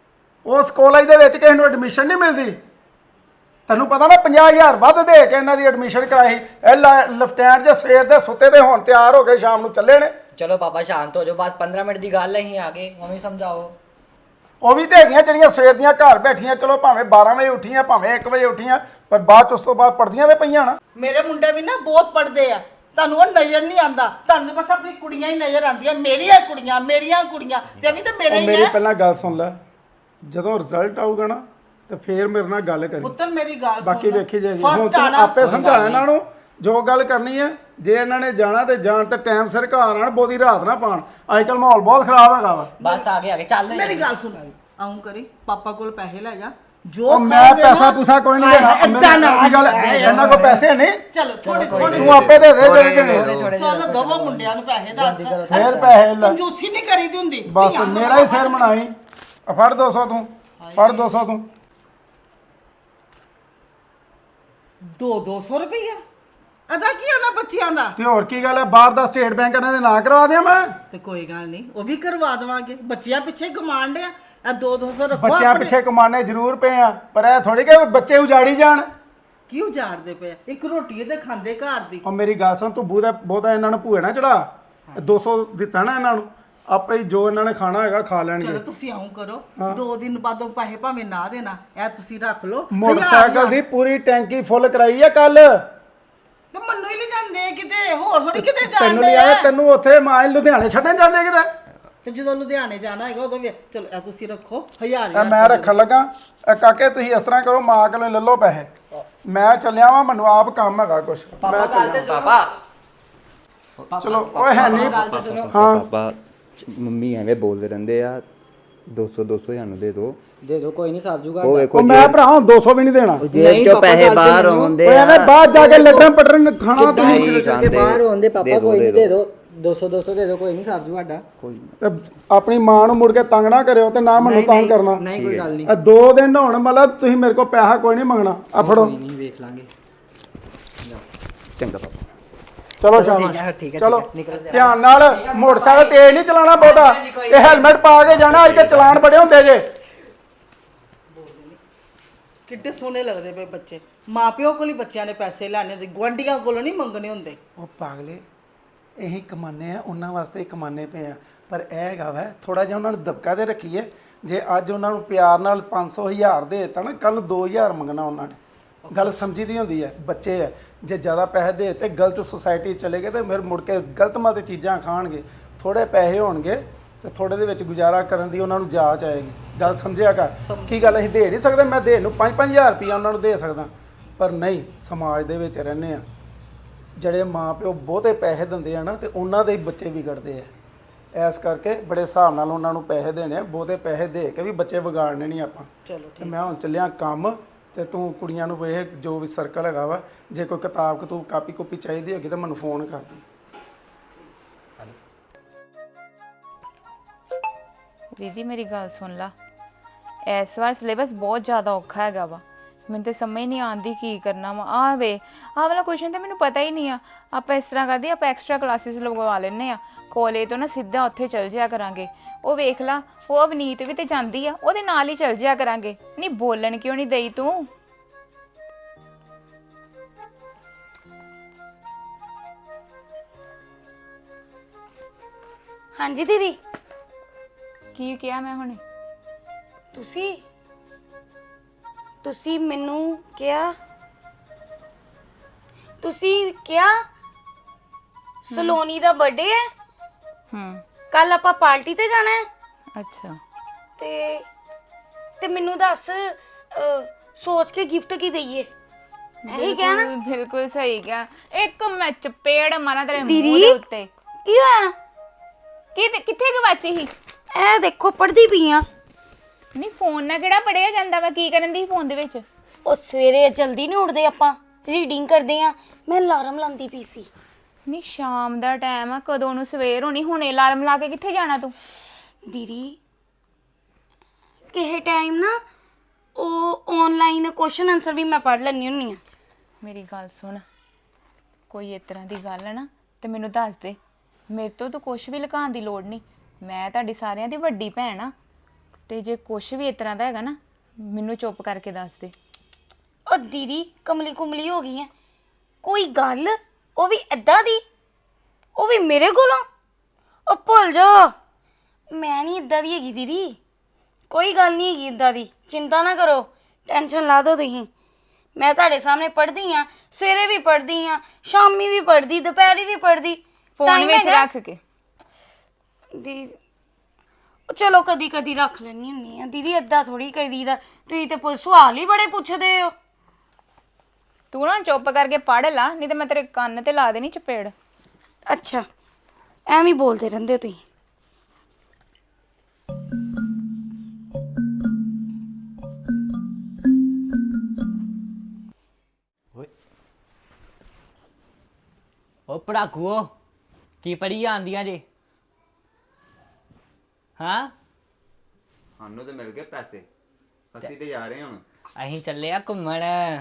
Speaker 5: ਉਸ ਕਾਲਜ ਦੇ ਵਿੱਚ ਕਿਸੇ ਨੂੰ ਐਡਮਿਸ਼ਨ ਨਹੀਂ ਮਿਲਦੀ ਤੈਨੂੰ ਪਤਾ ਨਾ 50,000 ਵੱਧ ਦੇ ਕੇ ਇਹਨਾਂ ਦੀ ਐਡਮਿਸ਼ਨ ਕਰਾਈ ਇਹ ਲੈਫਟੈਨੈਂਟ ਜੇ ਸਵੇਰ ਦੇ ਸੁੱਤੇ ਤੇ ਹੁਣ ਤਿਆਰ ਹੋ ਕੇ ਸ਼ਾਮ ਨੂੰ ਚੱਲੇ ਨੇ।
Speaker 7: ਚਲੋ ਪਾਪਾ ਸ਼ਾਂਤ ਹੋ ਜਾਓ ਬਸ 15 ਮਿੰਟ ਦੀ ਗੱਲ ਹੈ ਹੀ ਆ ਗਏ ਮੰਮੀ ਸਮਝਾਓ
Speaker 5: ਉਹ ਵੀ ਤੇ ਹੈਗੀਆਂ ਜਿਹੜੀਆਂ ਸਵੇਰ ਦੀਆਂ ਘਰ ਬੈਠੀਆਂ ਚਲੋ ਭਾਵੇਂ 12 ਵਜੇ ਉੱਠੀਆਂ ਭਾਵੇਂ 1 ਵਜੇ ਉੱਠੀਆਂ ਪਰ ਬਾਅਦ ਚ ਉਸ ਤੋਂ ਬਾਅਦ ਪੜਦੀਆਂ ਤੇ ਪਈਆਂ ਨਾ।
Speaker 8: ਮੇਰੇ ਮੁੰਡੇ ਵੀ ਨਾ ਬਹੁਤ ਪੜਦੇ ਆ ਤੁਹਾਨੂੰ ਉਹ ਨਜ਼ਰ ਨਹੀਂ ਆਂਦਾ ਤੁਹਾਨੂੰ ਬਸ ਆਪਣੀ ਕੁੜੀਆਂ ਹੀ ਨਜ਼ਰ ਆਂਦੀਆਂ ਮੇਰੀਆਂ ਕੁੜੀਆਂ ਤੇ ਵੀ ਤਾਂ ਮੇਰੇ ਹੀ
Speaker 5: ਮੇਰੀ
Speaker 8: ਆ।
Speaker 5: ਪਹਿਲਾਂ ਗੱਲ ਸੁਣ ਲੈ ਜਦੋਂ ਰਿਜ਼ਲਟ ਆਊਗਾ ਨਾ ਤੇ ਫੇਰ ਮੇਰੇ ਨਾਲ ਗੱਲ ਕਰੀ
Speaker 8: ਪੁੱਤਰ ਮੇਰੀ ਗੱਲ ਸੁਣ
Speaker 5: ਬਾਕੀ ਵੇਖੀ ਜਾਏਗੀ
Speaker 8: First
Speaker 5: ਹੁਣ ਤੂੰ
Speaker 8: ਆਉਣਾ।
Speaker 5: ਆਪੇ ਸਮਝਾ ਇਹਨਾਂ ਨੂੰ ਜੋ ਗੱਲ ਕਰਨੀ ਹੈ ਜੇ ਇਹਨਾਂ ਨੇ ਜਾਣਾ ਤੇ ਜਾਣ ਤੇ ਟਾਈਮ ਸਿਰ ਘਰ ਆਣ ਬਹੁਤੀ ਰਾਤ ਨਾ ਪਾਣ ਅੱਜ ਕੱਲ ਮਾਹੌਲ ਬਹੁਤ ਖਰਾਬ ਹੈਗਾ ਵਾ।
Speaker 7: ਬਸ ਆ ਗਏ ਚੱਲ
Speaker 8: ਮੇਰੀ ਗੱਲ ਸੁਣ ਆਉਂ ਕਰੀ ਪਾਪਾ ਕੋਲ ਪੈਸੇ ਲੈ ਜਾ ਜੋ
Speaker 5: ਉਹ ਮੈਂ ਪੈਸਾ ਪੂਸਾ ਕੋਈ ਨਹੀਂ ਦੇਣਾ
Speaker 8: ਏਦਾਂ ਨਾ
Speaker 5: ਮੇਰੀ ਗੱਲ ਇਹਨਾਂ ਕੋਲ ਪੈਸੇ ਨਹੀਂ
Speaker 8: ਚਲੋ ਥੋੜੇ
Speaker 5: ਤੂੰ ਆਪੇ ਦੇ ਦੇ ਜਿਹੜੇ ਦੇਣੇ
Speaker 8: ਚਲੋ ਦਵੋ ਮੁੰਡਿਆਂ ਨੂੰ ਪੈਸੇ ਦੱਸ
Speaker 5: ਫੇਰ ਪੈਸੇ ਲੈ
Speaker 8: ਕੰਜੂਸੀ ਨਹੀਂ ਕਰੀਦੀ ਹੁੰਦੀ
Speaker 5: ਬਸ ਮੇਰਾ ਹੀ ਸਿਰ ਮਨਾਈ ਫੜ 200 ਤੂੰ ਫੜ 200 ਤੂੰ
Speaker 8: 200 ਰੁਪਈਆ ਅਦਾ ਕੀ ਹੋਣਾ ਬੱਚਿਆਂ ਦਾ
Speaker 5: ਤੇ ਹੋਰ ਕੀ ਗੱਲ ਹੈ ਬਾਹਰ ਦਾ ਸਟੇਟ ਬੈਂਕ ਇਹਨਾਂ ਦੇ ਨਾਂ ਕਰਵਾ ਦਿਆਂ ਮੈਂ
Speaker 8: ਤੇ ਕੋਈ ਗੱਲ ਨਹੀਂ ਉਹ ਵੀ ਕਰਵਾ ਦੇਵਾਂਗੇ ਬੱਚਿਆਂ ਪਿੱਛੇ ਕਮਾਂਡ ਆ ਇਹ 200 ਰੱਖੋ
Speaker 5: ਬੱਚਿਆਂ ਪਿੱਛੇ ਕਮਾਣੇ ਜ਼ਰੂਰ ਪਏ ਆ ਪਰ ਇਹ ਥੋੜੀ ਕਿ ਬੱਚੇ ਉਜਾੜੀ ਜਾਣ
Speaker 8: ਕੀ ਉਜਾੜਦੇ ਪਏ ਇੱਕ ਰੋਟੀ ਤੇ ਖਾਂਦੇ ਘਰ ਦੀ
Speaker 5: ਉਹ ਮੇਰੀ ਗੱਲ ਸੁਣ ਤੂੰ ਬਹੁਤਾ ਇਹਨਾਂ ਨੂੰ ਭੂਏ ਨਾ ਚੜਾ 200 ਦਿੱਤਾ ਨਾ ਇਹਨਾਂ ਨੂੰ ਆਪੇ ਹੀ ਜੋ ਇਹਨਾਂ ਨੇ ਖਾਣਾ ਹੈਗਾ ਖਾ ਲੈਣਗੇ।
Speaker 8: ਚਲੋ ਤੁਸੀਂ ਆਉਂ ਕਰੋ 2 ਦਿਨ ਬਾਅਦੋਂ ਪੈਸੇ ਭਾਵੇਂ ਨਾ ਦੇਣਾ ਇਹ ਤੁਸੀਂ ਰੱਖ ਲਓ
Speaker 5: ਮੋਟਰਸਾਈਕਲ ਦੀ ਪੂਰੀ ਟੈਂਕੀ ਫੁੱਲ ਕਰਾਈ ਆ ਕੱਲ
Speaker 8: ਤੇ ਮੰਨੂ ਹੀ ਲੈ ਜਾਂਦੇ ਕਿਤੇ ਹੋਰ ਥੋੜੀ ਕਿਤੇ
Speaker 5: ਤੈਨੂੰ
Speaker 8: ਜਾਂਦੇ
Speaker 5: ਲਿਆ ਤੈਨੂੰ ਉੱਥੇ ਮਾਂ ਲੁਧਿਆਣੇ ਛੱਡਣ ਜਾਂਦੇ ਕਿਤੇ
Speaker 8: ਤੇ ਜਦੋਂ ਲੁਧਿਆਣੇ ਜਾਣਾ ਹੈਗਾ ਉਦੋਂ ਵੀ ਚਲੋ ਇਹ ਤੁਸੀਂ ਰੱਖੋ 1000
Speaker 5: ਇਹ ਮੈਂ ਰੱਖਣ ਲੱਗਾ ਇਹ ਕਾਕੇ ਤੁਸੀਂ ਇਸ ਤਰ੍ਹਾਂ ਕਰੋ ਮਾਂ ਕੋਲੋਂ ਲੈ ਲਓ ਪੈਸੇ ਮੈਂ ਚੱਲਿਆ ਵਾਂ ਮੈਨੂੰ ਆਪ ਕੰਮ ਹੈਗਾ ਕੁਛ ਮੈਂ ਚੱਲਿਆ
Speaker 6: ਪਾਪਾ
Speaker 5: ਚਲੋ ਓਏ ਹੈ ਨਹੀਂ
Speaker 7: ਗੱਲ ਤੇ ਸੁਣੋ
Speaker 5: ਹਾਂ
Speaker 6: ਪਾਪਾ ਮੰਮੀ ਐਵੇਂ ਬੋਲਦੇ ਰਹਿੰਦੇ ਆ 200 ਸਾਨੂੰ ਦੇ ਦਿਓ
Speaker 7: ਦੇ ਦਿਓ ਕੋਈ ਨਹੀਂ ਸਾਬ ਜੂਗਾ
Speaker 6: ਉਹ ਵੇਖੋ
Speaker 5: ਉਹ ਮੈਂ ਭਰਾ 200 ਵੀ ਨਹੀਂ ਦੇਣਾ
Speaker 6: ਜੇਬ ਚੋਂ ਪੈਸੇ ਬਾਹਰ ਆਉਂਦੇ
Speaker 5: ਓਏ
Speaker 6: ਆ
Speaker 5: ਐਵੇਂ ਬਾਹਰ ਜਾ ਕੇ ਲੱਟਣ ਪਟਣ ਖਾਣਾ ਤੁਸੀਂ
Speaker 6: ਨਹੀਂ
Speaker 7: ਕੇ
Speaker 6: ਖਾਂਦੇ।
Speaker 7: ਬਾਹਰ ਹੋਂਦੇ ਪਾਪਾ
Speaker 6: ਦੇ ਦਿਓ,
Speaker 7: ਕੋਈ ਨਹੀਂ
Speaker 6: ਦੇ
Speaker 7: ਦੇ ਦਿਓ 200 ਦੇ ਦਿਓ ਕੋਈ ਨਹੀਂ ਸਾਬ ਜੂ ਸਾਡਾ
Speaker 5: ਤੇ ਆਪਣੀ ਮਾਂ ਨੂੰ ਮੁੜ ਕੇ ਤੰਗ ਨਾ ਕਰਿਓ ਤੇ ਨਾ ਮੈਨੂੰ ਤੰਗ ਕਰਨਾ
Speaker 7: ਨਹੀਂ ਕੋਈ ਗੱਲ ਨਹੀਂ
Speaker 5: ਇਹ 2 ਦਿਨ ਹੋਣ ਮਤਲਬ ਤੁਸੀਂ ਮੇਰੇ ਕੋਲ ਪੈਸਾ ਕੋਈ ਨਹੀਂ ਮੰਗਣਾ ਆ ਫੜੋ
Speaker 7: ਕੋਈ ਨਹੀਂ ਵੇਖ ਲਾਂਗੇ
Speaker 6: ਚੰਗਾ ਪਾਪਾ
Speaker 5: ਚਲੋ
Speaker 7: ਠੀਕ ਹੈ,
Speaker 5: ਸ਼ਾਬਾਸ਼
Speaker 7: ਠੀਕ ਹੈ,
Speaker 5: ਚਲੋ
Speaker 7: ਨਿਕਲ ਜਾ।
Speaker 5: ਧਿਆਨ ਨਾਲ ਮੋਟਰਸਾਈਕਲ ਤੇਜ਼ ਨਹੀਂ ਚਲਾਉਣਾ ਬਹੁਤਾ ਤੇ ਹੈਲਮਟ ਪਾ ਕੇ ਜਾਣਾ ਅੱਜ ਕੱਲ੍ਹ ਚਲਾਨ ਬੜੇ ਹੁੰਦੇ ਜੇ
Speaker 8: ਕਿੱਡੇ ਸੋਹਣੇ ਲੱਗਦੇ ਪਏ ਬੱਚੇ ਮਾਪਿਓ ਕੋਲ ਹੀ ਬੱਚਿਆਂ ਨੇ ਪੈਸੇ ਲੈਣੇ ਹੁੰਦੇ ਗੁਆਂਢੀਆਂ ਕੋਲੋਂ ਨਹੀਂ ਮੰਗਣੇ ਹੁੰਦੇ
Speaker 5: ਉਹ ਪਾਗਲੇ ਇਹੀ ਕਮਾਨੇ ਆ ਉਹਨਾਂ ਵਾਸਤੇ ਹੀ ਕਮਾਨੇ ਪਏ ਆ ਪਰ ਇਹ ਹੈਗਾ ਵਾ ਥੋੜਾ ਜਿਹਾ ਉਹਨਾਂ ਨੂੰ ਦਬਕਾ ਦੇ ਰੱਖੀਏ ਜੇ ਅੱਜ ਉਹਨਾਂ ਨੂੰ ਪਿਆਰ ਨਾਲ 500 1000 ਦੇ ਦਿੱਤਾ ਨਾ ਕੱਲ 2000 ਮੰਗਣਾ ਉਹਨਾਂ ਨੇ ਗੱਲ ਸਮਝੀ ਦੀ ਹੁੰਦੀ ਹੈ ਬੱਚੇ ਆ ਜੇ ਜ਼ਿਆਦਾ ਪੈਸੇ ਦੇ ਤੇ ਗਲਤ ਸੁਸਾਇਟੀ ਚਲੇ ਗਏ ਤੇ ਫਿਰ ਮੁੜ ਕੇ ਗਲਤ ਮਤ ਚੀਜ਼ਾਂ ਖਾਣਗੇ ਥੋੜੇ ਪੈਸੇ ਹੋਣਗੇ ਤੇ ਥੋੜੇ ਦੇ ਵਿੱਚ ਗੁਜ਼ਾਰਾ ਕਰਨ ਦੀ ਉਹਨਾਂ ਨੂੰ ਜਾਚ ਆਏਗੀ ਗੱਲ ਸਮਝਿਆ ਕਰ ਕੀ ਗੱਲ ਅਸੀਂ ਦੇ ਨਹੀਂ ਸਕਦੇ ਮੈਂ ਦੇਣ ਨੂੰ 5-5000 ਰੁਪਇਆ ਉਹਨਾਂ ਨੂੰ ਦੇ ਸਕਦਾ ਪਰ ਨਹੀਂ ਸਮਾਜ ਦੇ ਵਿੱਚ ਰਹਿੰਦੇ ਆ ਜਿਹੜੇ ਮਾਂ ਪਿਓ ਬਹੁਤੇ ਪੈਸੇ ਦਿੰਦੇ ਆ ਨਾ ਤੇ ਉਹਨਾਂ ਦੇ ਹੀ ਬੱਚੇ ਵਿਗੜਦੇ ਆ ਇਸ ਕਰਕੇ ਬੜੇ ਹਿਸਾਬ ਨਾਲ ਉਹਨਾਂ ਨੂੰ ਪੈਸੇ ਦੇਣੇ ਆ ਬਹੁਤੇ ਪੈਸੇ ਦੇ ਕੇ ਵੀ ਬੱਚੇ ਵਿਗਾੜਨੇ ਨਹੀਂ ਆਪਾਂ
Speaker 8: ਚਲੋ
Speaker 5: ਤੇ ਮੈਂ ਹੁਣ ਚੱਲਿਆ ਕੰਮ ਤੇ ਤੂੰ ਕੁੜੀਆਂ ਨੂੰ ਵੇਖ ਜੋ ਵੀ ਸਰਕਲ ਹੈਗਾ ਵਾ ਜੇ ਕੋਈ ਕਿਤਾਬ ਕਤੂਬ ਕਾਪੀ ਕੁਪੀ ਚਾਹੀਦੀ ਹੋਗੀ ਤਾਂ ਮੈਨੂੰ ਫੋਨ ਕਰ ਦੀ
Speaker 1: ਦੀਦੀ ਮੇਰੀ ਗੱਲ ਸੁਣ ਲਾ ਇਸ ਵਾਰ ਸਿਲੇਬਸ ਬਹੁਤ ਜ਼ਿਆਦਾ ਔਖਾ ਹੈਗਾ ਵਾ ਮੈਨੂੰ ਤੇ ਸਮਝ ਨਹੀਂ ਆਉਂਦੀ ਕੀ ਕਰਨਾ ਵਾ ਆਹ ਵਾਲਾ ਕੁਐਸਚਨ ਤੇ ਮੈਨੂੰ ਪਤਾ ਹੀ ਨਹੀਂ ਆ ਆਪਾਂ ਇਸ ਤਰ੍ਹਾਂ ਕਰਦੇ ਆਪਾਂ ਐਕਸਟਰਾ ਕਲਾਸਿਸ ਲਗਵਾ ਲੈਣੇ ਆ ਕਾਲਜ ਤੋਂ ਨਾ ਸਿੱਧਾ ਉੱਥੇ ਚਲ ਜਿਆ ਕਰਾਂਗੇ ਉਹ ਵੇਖ ਲਾ ਉਹ ਅਵਨੀਤ ਵੀ ਤੇ ਜਾਂਦੀ ਆ ਉਹਦੇ ਨਾਲ ਹੀ ਚਲ ਜਿਆ ਕਰਾਂਗੇ ਨਹੀਂ ਬੋਲਣ ਕਿਉਂ ਨਹੀਂ ਦਈ ਤੂੰ
Speaker 9: ਹਾਂਜੀ ਦੀਦੀ
Speaker 1: ਕੀ ਕਿਹਾ ਮੈਂ ਹੁਣੇ
Speaker 9: ਤੁਸੀਂ ਮੈਨੂੰ ਕਿਹਾ ਸਲੋਨੀ ਦਾ ਬਰਥਡੇ ਹੈ ਕੱਲ ਆਪਾਂ ਪਾਰਟੀ ਤੇ ਜਾਣਾ ਹੈ
Speaker 1: ਅੱਛਾ
Speaker 9: ਤੇ ਮੈਨੂੰ ਦੱਸ ਸੋਚ ਕੇ ਗਿਫਟ ਕੀ ਦਈਏ ਇਹੀ ਕਿਹਾ ਨਾ
Speaker 1: ਬਿਲਕੁਲ ਸਹੀ ਕਿਹਾ ਇੱਕ ਮੈਂ ਚਪੇੜ ਮਾਰਾਂ ਤੇਰੇ ਮੂੰਹ
Speaker 9: ਦੀਦੀ
Speaker 1: ਦੇ ਉੱਤੇ
Speaker 9: ਕੀ ਹੋਇਆ
Speaker 1: ਕਿੱਥੇ ਗਵਾਚੀ ਸੀ
Speaker 9: ਇਹ ਦੇਖੋ ਪੜ੍ਹਦੀ ਪਈ ਆ
Speaker 1: ਨਹੀਂ ਫੋਨ ਨਾਲ ਕਿਹੜਾ ਪੜਿਆ ਜਾਂਦਾ ਵਾ ਕੀ ਕਰਨ ਦੀ ਫੋਨ ਦੇ ਵਿੱਚ
Speaker 9: ਉਹ ਸਵੇਰੇ ਜਲਦੀ ਨਹੀਂ ਉੱਠਦੇ ਆਪਾਂ ਰੀਡਿੰਗ ਕਰਦੇ ਆ ਮੈਂ ਅਲਾਰਮ ਲਾਉਂਦੀ ਪਈ ਸੀ
Speaker 1: ਨਹੀਂ ਸ਼ਾਮ ਦਾ ਟਾਈਮ ਆ ਕਦੋਂ ਨੂੰ ਸਵੇਰ ਹੋਣੀ ਹੁਣੇ ਅਲਾਰਮ ਲਾ ਕੇ ਕਿੱਥੇ ਜਾਣਾ ਤੂੰ
Speaker 9: ਦੀਦੀ ਕਿਸੇ ਟਾਈਮ ਨਾ ਉਹ ਆਨਲਾਈਨ ਕੁਐਸਚਨ ਆਨਸਰ ਵੀ ਮੈਂ ਪੜ੍ਹ ਲੈਣੀ ਹੁੰਨੀ ਆ
Speaker 1: ਮੇਰੀ ਗੱਲ ਸੁਣ ਕੋਈ ਇਸ ਤਰ੍ਹਾਂ ਦੀ ਗੱਲ ਹੈ ਨਾ ਤੇ ਮੈਨੂੰ ਦੱਸ ਦੇ ਮੇਰੇ ਤੋਂ ਤਾਂ ਕੁਝ ਵੀ ਲੁਕਾਉਣ ਦੀ ਲੋੜ ਨਹੀਂ ਮੈਂ ਤੁਹਾਡੀ ਸਾਰਿਆਂ ਦੀ ਵੱਡੀ ਭੈਣ ਆ ਤੇ ਜੇ ਕੁਝ ਵੀ ਇਸ ਤਰ੍ਹਾਂ ਦਾ ਹੈਗਾ ਨਾ ਮੈਨੂੰ ਚੁੱਪ ਕਰਕੇ ਦੱਸ ਦੇ
Speaker 9: ਉਹ ਦੀਦੀ ਕਮਲੀ ਕੁਮਲੀ ਹੋ ਗਈ ਹੈ ਕੋਈ ਗੱਲ ਉਹ ਵੀ ਏਦਾਂ ਦੀ ਉਹ ਵੀ ਮੇਰੇ ਕੋਲੋਂ ਉਹ ਭੁੱਲ ਜਾ ਮੈਂ ਨਹੀਂ ਏਦਾਂ ਦੀ ਹੈਗੀ ਦੀਦੀ ਕੋਈ ਗੱਲ ਨਹੀਂ ਹੈਗੀ ਏਦਾਂ ਦੀ ਚਿੰਤਾ ਨਾ ਕਰੋ ਟੈਨਸ਼ਨ ਲਾ ਦਿਓ ਤੁਸੀਂ ਮੈਂ ਤੁਹਾਡੇ ਸਾਹਮਣੇ ਪੜ੍ਹਦੀ ਆ ਸਵੇਰੇ ਵੀ ਪੜ੍ਹਦੀ ਆ ਸ਼ਾਮੀ ਵੀ ਪੜ੍ਹਦੀ ਦੁਪਹਿਰੀ ਵੀ ਪੜ੍ਹਦੀ
Speaker 1: ਫੋਨ ਵਿੱਚ ਰੱਖ ਕੇ
Speaker 9: ਦੀ ਚਲੋ ਕਦੀ ਕਦੀ ਰੱਖ ਲੈਣੀ ਹੁੰਨੀ ਆ ਦੀਦੀ ਏਦਾਂ ਥੋੜੀ ਕਰੀਦਾ ਤੁਸੀਂ ਤੇ ਸਵਾਲ ਹੀ ਬੜੇ ਪੁੱਛਦੇ ਹੋ
Speaker 1: ਤੂੰ ਨਾ ਚੁੱਪ ਕਰਕੇ ਪੜ੍ਹ ਲਾ ਨਹੀਂ ਤੇ ਮੈਂ ਤੇਰੇ ਕੰਨ ਤੇ ਲਾ ਦੇਣੀ ਚਪੇੜ
Speaker 9: ਅੱਛਾ ਐਵੇਂ ਹੀ ਬੋਲਦੇ ਰਹਿੰਦੇ ਹੋ ਤੁਸੀਂ
Speaker 7: ਉਹ ਪੜਾਕੂਓ ਕੀ ਪੜੀ ਜਾਂਦੀਆਂ ਜੇ ਹਾਂ
Speaker 6: ਸਾਨੂੰ ਤੇ ਮਿਲ ਗਏ ਪੈਸੇ ਅਸੀਂ ਤੇ ਜਾ ਰਹੇ ਹਾਂ ਹੁਣ
Speaker 7: ਅਸੀਂ ਚੱਲੇ ਆ ਘੁੰਮਣ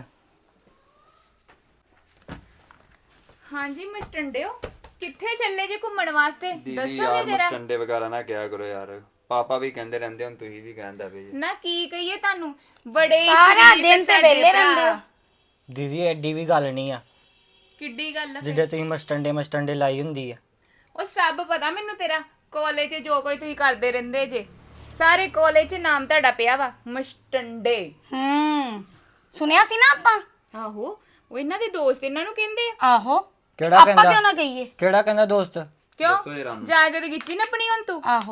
Speaker 1: ਹਾਂਜੀ ਮਸਟੰਡਿਓ ਕਿੱਥੇ ਚੱਲੇ ਜੇ ਘੁੰਮਣ ਵਾਸਤੇ
Speaker 6: ਦੀਦੀ
Speaker 1: ਦੱਸੋਗੇ
Speaker 6: ਯਾਰ
Speaker 1: ਜਰਾ
Speaker 6: ਮਸਟੰਡੇ ਵਗੈਰਾ ਨਾ ਕਿਹਾ ਕਰੋ ਯਾਰ ਪਾਪਾ ਵੀ ਕਹਿੰਦੇ ਰਹਿੰਦੇ ਹੁਣ ਤੁਸੀਂ ਵੀ ਕਹਿੰਦਾ ਪਏ ਜੀ
Speaker 1: ਨਾ ਕੀ ਕਹੀਏ ਤੁਹਾਨੂੰ ਬੜੇ
Speaker 9: ਸਾਰਾ
Speaker 1: ਸ਼ਰੀਫ
Speaker 9: ਦਿਨ ਤੇ
Speaker 1: ਸਾਡੇ
Speaker 9: ਵਿਹਲੇ
Speaker 1: ਭਰਾ।
Speaker 9: ਰਹਿੰਦੇ ਹੋ।
Speaker 7: ਦੀਦੀ ਐਡੀ ਵੀ ਗੱਲ ਨਹੀਂ ਆ
Speaker 1: ਕਿੱਡੀ ਗੱਲ ਆ ਫਿਰ?
Speaker 7: ਜਿੱਦਾਂ ਤੁਸੀਂ ਮਸਟੰਡੇ ਲਾਈ ਹੁੰਦੀ ਆ
Speaker 1: ਉਹ ਸਭ ਪਤਾ ਮੈਨੂੰ ਤੇਰਾ ਕਾਲਜ 'ਚ ਜੋ ਕੋਈ ਤੁਸੀਂ ਕਰਦੇ ਰਹਿੰਦੇ ਜੇ ਸਾਰੇ ਕਾਲਜ 'ਚ ਨਾਮ ਤੁਹਾਡਾ ਪਿਆ ਵਾ ਮਸਟੰਡੇ
Speaker 9: ਸੁਣਿਆ ਸੀ ਨਾ ਆਪਾਂ
Speaker 1: ਆਹੋ ਉਹ ਇਹਨਾਂ ਦੇ ਦੋਸਤ ਇਹਨਾਂ ਨੂੰ ਕਹਿੰਦੇ ਆ
Speaker 9: ਆਹੋ
Speaker 7: ਕਿਹੜਾ
Speaker 9: ਆਪਾਂ
Speaker 7: ਕਹਿੰਦਾ
Speaker 9: ਕਿਉਂ ਨਾ ਕਹੀਏ
Speaker 7: ਕਿਹੜਾ ਕਹਿੰਦਾ ਦੋਸਤ
Speaker 1: ਕਿਉਂ ਜਾ ਕੇ ਤੇ ਗਿੱਚੀ ਨੱਪਣੀ ਹੁਣ ਤੂੰ
Speaker 9: ਆਹੋ